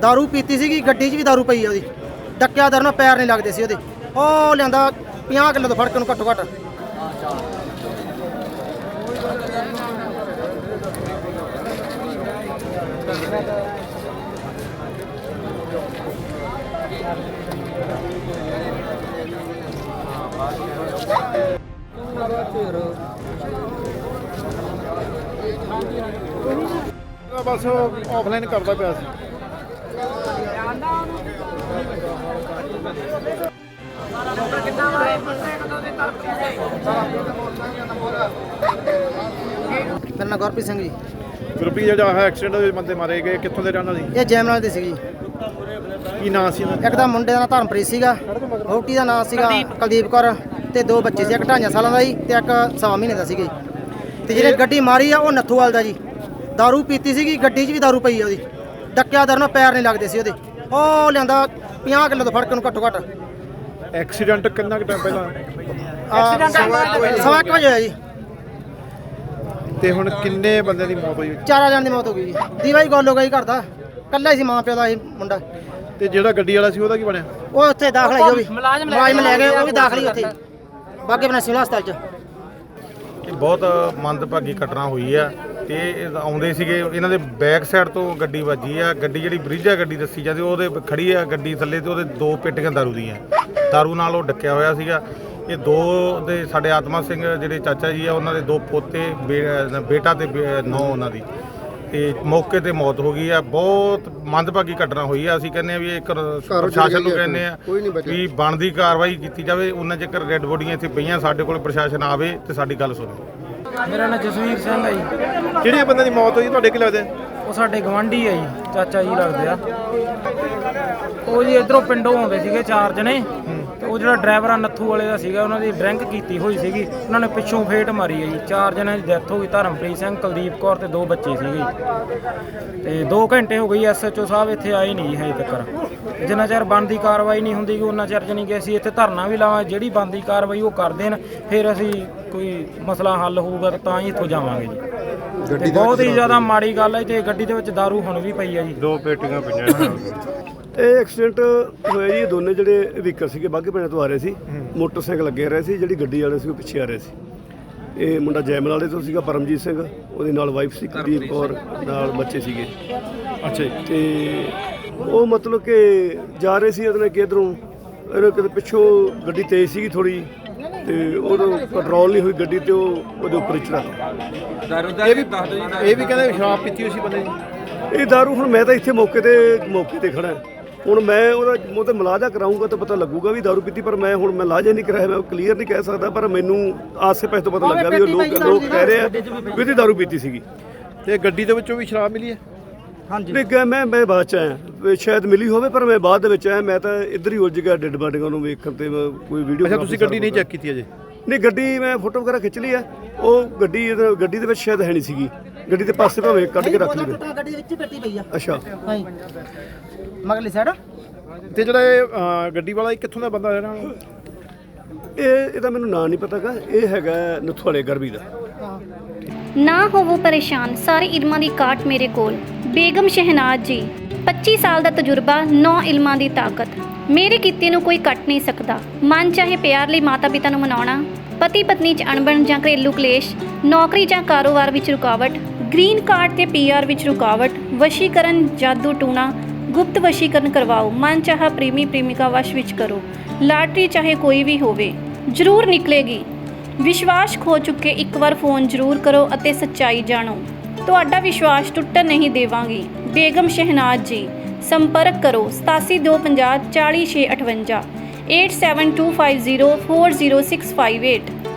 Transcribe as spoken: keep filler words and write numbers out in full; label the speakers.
Speaker 1: दारू पीती सी गड्डी च भी दारू पई है डक्या दर पैर नहीं लगते सी ओहदे ਉਹ ਲਿਆਂਦਾ ਪੰਜਾਹ किलो तो फड़क घट्टो घट्ट
Speaker 2: बस ऑफलाइन करता पिया
Speaker 1: मेरा नाम गुरप्रीत सिंह जी।
Speaker 2: गुरप्रीत जो है एक्सीडेंट बंदे मारे गए कितों के रहने वाले?
Speaker 1: ये जैमलाल दे सी जी।
Speaker 2: की नाम सी?
Speaker 1: एक दा मुंडे दा नाम धर्मप्रीत सीगा, वोटी दा नाम सीगा कुलदीप कौर ते दो बच्चे सी, एक ढाइयां सालां दा जी ते एक सवा महीने दा सीगा ते जेह्ड़ी गड्डी मारी आ ओह नत्थूवाल दा जी। दारू पीती सी गड्डी च भी दारू पई है ओहदी डक्या दर पैर नहीं लगते सी ओहदे ਉਹ ਲਿਆਂਦਾ ਪੰਜਾਹ किलो तो फड़क घट्टो घट्ट।
Speaker 2: एक्सीडेंट कितना टाइम पहला?
Speaker 1: सवा एक बजे होया जी।
Speaker 2: ਤੇ ਹੁਣ ਕਿੰਨੇ ਬੰਦੇ ਦੀ ਮੌਤ ਹੋਈ?
Speaker 1: ਚਾਰਾਂ ਜਣ ਦੀ ਮੌਤ ਹੋ ਗਈ ਜੀ। ਦੀਵਾ ਹੀ ਗੋਲ ਹੋ ਗਈ ਘਰ ਦਾ, ਕੱਲਾ ਹੀ ਸੀ ਮਾਂ ਪਿਓ ਦਾ ਇਹ ਮੁੰਡਾ।
Speaker 2: ਤੇ ਜਿਹੜਾ ਗੱਡੀ ਵਾਲਾ ਸੀ ਉਹਦਾ ਕੀ ਬਣਿਆ?
Speaker 1: ਉਹ ਉੱਥੇ ਦਾਖਲ ਹੈ, ਉਹ ਵੀ ਮੁਲਾਜ਼ਮ ਲੈ ਗਏ, ਉਹ ਵੀ ਦਾਖਲ ਹੀ ਉੱਥੇ ਬਾਗੇ ਬਣਾ ਸਿਵਲ ਹਸਪਤਾਲ 'ਚ।
Speaker 3: ਇਹ ਬਹੁਤ ਮੰਦਭਾਗੀ ਘਟਨਾ ਹੋਈ ਆ ਤੇ ਇਹ ਆਉਂਦੇ ਸੀਗੇ, ਇਹਨਾਂ ਦੇ ਬੈਕ ਸਾਈਡ ਤੋਂ ਗੱਡੀ ਵੱਜੀ ਆ। ਗੱਡੀ ਜਿਹੜੀ ਬਰੀਜਾ ਗੱਡੀ ਦੱਸੀ ਜਾਂਦੀ ਉਹਦੇ ਖੜੀ ਆ ਗੱਡੀ ਥੱਲੇ ਤੇ ਉਹਦੇ ਦੋ ਪੇਟੀਆਂ ਦਾਰੂ ਦੀਆਂ, ਦਾਰੂ ਨਾਲ ਉਹ ਡੱਕਿਆ ਹੋਇਆ ਸੀਗਾ। ਇਹ ਦੋ ਦੇ ਸਾਡੇ ਆਤਮਾ ਸਿੰਘ ਜਿਹੜੇ ਚਾਚਾ ਜੀ ਆ ਉਹਨਾਂ ਦੇ ਦੋ ਪੋਤੇ ਬੇਟਾ ਤੇ ਨੌ ਉਹਨਾਂ ਦੀ ਤੇ ਮੌਕੇ ਤੇ ਮੌਤ ਹੋ ਗਈ ਆ। ਬਹੁਤ ਮੰਦਭਾਗੀ ਘਟਨਾ ਹੋਈ ਆ। ਅਸੀਂ ਕਹਿੰਦੇ ਆ ਵੀ ਇਹ ਪ੍ਰਸ਼ਾਸਨ ਨੂੰ ਕਹਿੰਦੇ ਆ ਵੀ ਬਣਦੀ ਕਾਰਵਾਈ ਕੀਤੀ ਜਾਵੇ। ਉਹਨਾਂ ਚਿਰ ਡੈੱਡ ਬੋਡੀਆਂ ਇੱਥੇ ਪਈਆਂ, ਸਾਡੇ ਕੋਲ ਪ੍ਰਸ਼ਾਸਨ ਆਵੇ ਤੇ ਸਾਡੀ ਗੱਲ ਸੁਣੇ।
Speaker 4: ਮੇਰਾ ਨਾਮ ਜਸਵੀਰ ਸਿੰਘ ਹੈ ਜੀ।
Speaker 2: ਜਿਹੜੇ ਬੰਦੇ ਦੀ ਮੌਤ ਹੋਈ ਤੁਹਾਡੇ ਕੀ ਲੱਗਦੇ?
Speaker 4: ਉਹ ਸਾਡੇ ਗਵਾਂਢੀ ਆ ਜੀ, ਚਾਚਾ ਜੀ ਲੱਗਦੇ ਆ। ਉਹ ਜੀ ਇਧਰੋਂ ਪਿੰਡੋਂ ਆਉਂਦੇ ਸੀਗੇ ਚਾਰ ਜਣੇ ਤੇ ਉਹ ਜਿਹੜਾ ਡਰਾਈਵਰ ਆ ਨੱਥੂ ਵਾਲੇ ਦਾ ਸੀਗਾ, ਉਹਨਾਂ ਦੀ ਡਰਿੰਕ ਕੀਤੀ ਹੋਈ ਸੀਗੀ। ਉਹਨਾਂ ਨੇ ਪਿੱਛੋਂ ਫੇਟ ਮਾਰੀ ਹੈ ਜੀ, ਚਾਰ ਜਣਿਆਂ ਦੀ ਡੈਥ ਹੋ ਗਈ। ਧਰਮਪ੍ਰੀਤ ਸਿੰਘ, ਕੁਲਦੀਪ ਕੌਰ ਤੇ ਦੋ ਬੱਚੇ ਸੀਗੇ ਤੇ ਦੋ ਘੰਟੇ ਹੋ ਗਈ ਐਸ ਐਚ ਓ ਸਾਹਿਬ ਇੱਥੇ ਆਏ ਨਹੀਂ ਹਜੇ ਤੱਕ। ਜਿੰਨਾ ਚਿਰ ਬਣਦੀ ਕਾਰਵਾਈ ਨਹੀਂ ਹੁੰਦੀ ਉਹਨਾਂ ਚਿਰ ਜਾਣੀ ਕਿ ਅਸੀਂ ਇੱਥੇ ਧਰਨਾ ਵੀ ਲਾਵਾਂ, ਜਿਹੜੀ ਬਣਦੀ ਕਾਰਵਾਈ ਉਹ ਕਰ ਦੇਣ, ਫਿਰ ਅਸੀਂ ਕੋਈ ਮਸਲਾ ਹੱਲ ਹੋਊਗਾ ਤਾਂ ਹੀ ਇੱਥੋਂ ਜਾਵਾਂਗੇ ਜੀ। ਤੇ ਬਹੁਤ ਹੀ ਜ਼ਿਆਦਾ ਮਾੜੀ ਗੱਲ ਹੈ ਤੇ ਗੱਡੀ ਦੇ ਵਿੱਚ ਦਾਰੂ ਹੁਣ ਵੀ ਪਈ ਹੈ ਜੀ,
Speaker 3: ਦੋ ਪੇਟੀਆਂ ਪਈਆਂ।
Speaker 5: ਇਹ ਐਕਸੀਡੈਂਟ ਹੋਇਆ ਜੀ, ਦੋਨੇ ਜਿਹੜੇ ਵਹੀਕਲ ਸੀਗੇ ਬਾਘੇ ਪਿੰਡ ਤੋਂ ਆ ਰਹੇ ਸੀ, ਮੋਟਰਸਾਈਕਲ ਲੱਗੇ ਰਹੇ ਸੀ, ਜਿਹੜੀ ਗੱਡੀ ਵਾਲੇ ਸੀ ਉਹ ਪਿੱਛੇ ਆ ਰਹੇ ਸੀ। ਇਹ ਮੁੰਡਾ ਜੈਮਲ ਵਾਲੇ ਤੋਂ ਸੀਗਾ ਪਰਮਜੀਤ ਸਿੰਘ, ਉਹਦੇ ਨਾਲ ਵਾਈਫ ਸੀ ਕੁਲਦੀਪ ਕੌਰ, ਨਾਲ ਬੱਚੇ ਸੀਗੇ।
Speaker 2: ਅੱਛਾ ਜੀ।
Speaker 5: ਤੇ ਉਹ ਮਤਲਬ ਕਿ ਜਾ ਰਹੇ ਸੀ ਉਹਨੇ ਕਿਧਰੋਂ, ਇਹਨੇ ਕਿਤੇ ਪਿੱਛੋਂ ਗੱਡੀ ਤੇਜ਼ ਸੀਗੀ ਥੋੜੀ ਤੇ ਉਦੋਂ ਕੰਟਰੋਲ ਨਹੀਂ ਹੋਈ ਗੱਡੀ ਤੇ ਉਹ ਉਹਦੇ ਉੱਪਰ ਚੜਾ।
Speaker 2: ਇਹ ਵੀ ਇਹ ਵੀ ਕਹਿੰਦੇ ਸ਼ਰਾਬ ਪੀਤੀ ਹੋਈ ਸੀ ਬੰਦੇ ਦੀ।
Speaker 5: ਇਹ ਦਾਰੂ ਹੁਣ ਮੈਂ ਤਾਂ ਇੱਥੇ ਮੌਕੇ ਤੇ ਮੌਕੇ ਤੇ ਖੜਾ, ਹੁਣ ਮੈਂ ਉਹਦਾ ਮੂੰਹ ਤੇ ਮਲਾਜਾ ਕਰਾਊਂਗਾ ਤਾਂ ਪਤਾ ਲੱਗੂਗਾ ਵੀ ਦਾਰੂ ਪੀਤੀ, ਪਰ ਮੈਂ ਹੁਣ ਮੈਂ ਲਾਜਾ ਨਹੀਂ ਕਰਾਇਆ, ਮੈਂ ਕਲੀਅਰ ਨਹੀਂ ਕਹਿ ਸਕਦਾ, ਪਰ ਮੈਨੂੰ ਆਸੇ ਪਾਸੇ ਤੋਂ ਪਤਾ ਲੱਗਾ ਵੀ ਉਹ ਲੋਕ ਲੋਕ ਕਹਿ ਰਹੇ ਆ ਵੀ ਇਹਦੀ ਦਾਰੂ ਪੀਤੀ ਸੀਗੀ।
Speaker 2: ਤੇ ਗੱਡੀ ਦੇ ਵਿੱਚੋਂ ਵੀ ਸ਼ਰਾਬ ਮਿਲੀ ਹੈ?
Speaker 1: ਹਾਂਜੀ
Speaker 5: ਨਹੀਂ, ਮੈਂ ਮੈਂ ਬਾਅਦ ਚ ਆਇਆ, ਸ਼ਾਇਦ ਮਿਲੀ ਹੋਵੇ, ਪਰ ਮੈਂ ਬਾਅਦ ਦੇ ਵਿੱਚ ਆਇਆ। ਮੈਂ ਤਾਂ ਇੱਧਰ ਹੀ ਉਲਝ ਗਿਆ ਡੈਡ ਬਾਡੀਆਂ ਨੂੰ ਵੇਖਣ ਤੇ ਕੋਈ ਵੀਡੀਓ।
Speaker 2: ਅੱਛਾ, ਤੁਸੀਂ ਗੱਡੀ ਨਹੀਂ ਚੈੱਕ ਕੀਤੀ ਅਜੇ?
Speaker 5: ਨਹੀਂ, ਗੱਡੀ ਮੈਂ ਫੋਟੋ ਵਗੈਰਾ ਖਿੱਚ ਲਈ ਆ। ਉਹ ਗੱਡੀ ਗੱਡੀ ਦੇ ਵਿੱਚ ਸ਼ਾਇਦ ਹੈ ਨਹੀਂ ਸੀਗੀ, ਗੱਡੀ ਦੇ ਪਾਸੇ ਭਾਵੇਂ ਕੱਢ ਕੇ ਰੱਖ ਲਈ।
Speaker 1: ਗੱਡੀ ਦੇ ਵਿੱਚ ਹੀ ਪੇਟੀ ਪਈ ਆ।
Speaker 5: ਅੱਛਾ,
Speaker 1: ਹਾਂਜੀ ਮਗਲੀ ਸਾਈਡ।
Speaker 2: ਤੇ ਜਿਹੜਾ ਇਹ ਗੱਡੀ ਵਾਲਾ ਇਹ ਕਿੱਥੋਂ ਦਾ ਬੰਦਾ ਰਹਿਣਾ?
Speaker 5: ਇਹ ਇਹਦਾ ਮੈਨੂੰ ਨਾਂ ਨਹੀਂ ਪਤਾਗਾ, ਇਹ ਹੈਗਾ ਨੱਥੂਵਾਲੇ ਗਰਬੀ ਦਾ।
Speaker 6: ਨਾ ਹੋਵੋ ਪਰੇਸ਼ਾਨ, ਸਾਰੇ ਇਲਮਾਂ ਦੀ ਕਾਟ ਮੇਰੇ ਕੋਲ। ਬੇਗਮ ਸ਼ਹਿਨਾਜ਼ ਜੀ, ਪੱਚੀ ਸਾਲ ਦਾ ਤਜਰਬਾ, ਨੌ ਇਲਮਾਂ ਦੀ ਤਾਕਤ। ਮੇਰੇ ਕੀਤੇ ਨੂੰ ਕੋਈ ਕੱਟ ਨਹੀਂ ਸਕਦਾ। ਮਨ ਚਾਹੇ ਪਿਆਰ ਲਈ ਮਾਤਾ ਪਿਤਾ ਨੂੰ ਮਨਾਉਣਾ, ਪਤੀ ਪਤਨੀ 'ਚ ਅਣਬਣ ਜਾਂ ਘਰੇਲੂ ਕਲੇਸ਼, ਨੌਕਰੀ ਜਾਂ ਕਾਰੋਬਾਰ ਵਿੱਚ ਰੁਕਾਵਟ, ਗ੍ਰੀਨ ਕਾਰਡ ਤੇ ਪੀ ਆਰ ਵਿੱਚ ਰੁਕਾਵਟ, ਵਸ਼ੀਕਰਨ, ਜਾਦੂ ਟੂਣਾ, ਗੁਪਤ ਵਸ਼ੀਕਰਨ ਕਰਵਾਓ, ਮਨ ਚਾਹਾ ਪ੍ਰੇਮੀ ਪ੍ਰੇਮਿਕਾ ਵਸ਼ ਵਿੱਚ ਕਰੋ। ਲਾਟਰੀ ਚਾਹੇ ਕੋਈ ਵੀ ਹੋਵੇ ਜ਼ਰੂਰ ਨਿਕਲੇਗੀ। ਵਿਸ਼ਵਾਸ ਖੋ ਚੁੱਕੇ ਇੱਕ ਵਾਰ ਫੋਨ ਜ਼ਰੂਰ ਕਰੋ ਅਤੇ ਸੱਚਾਈ ਜਾਣੋ। ਤੁਹਾਡਾ ਵਿਸ਼ਵਾਸ ਟੁੱਟਣ ਨਹੀਂ ਦੇਵਾਂਗੀ। ਬੇਗਮ ਸ਼ਹਿਨਾਜ਼ ਜੀ, ਸੰਪਰਕ ਕਰੋ ਸਤਾਸੀ ਦੋ ਪੰਜਾਹ ਚਾਲੀ ਛੇ ਅਠਵੰਜਾ, eight seven two five zero four zero six five eight.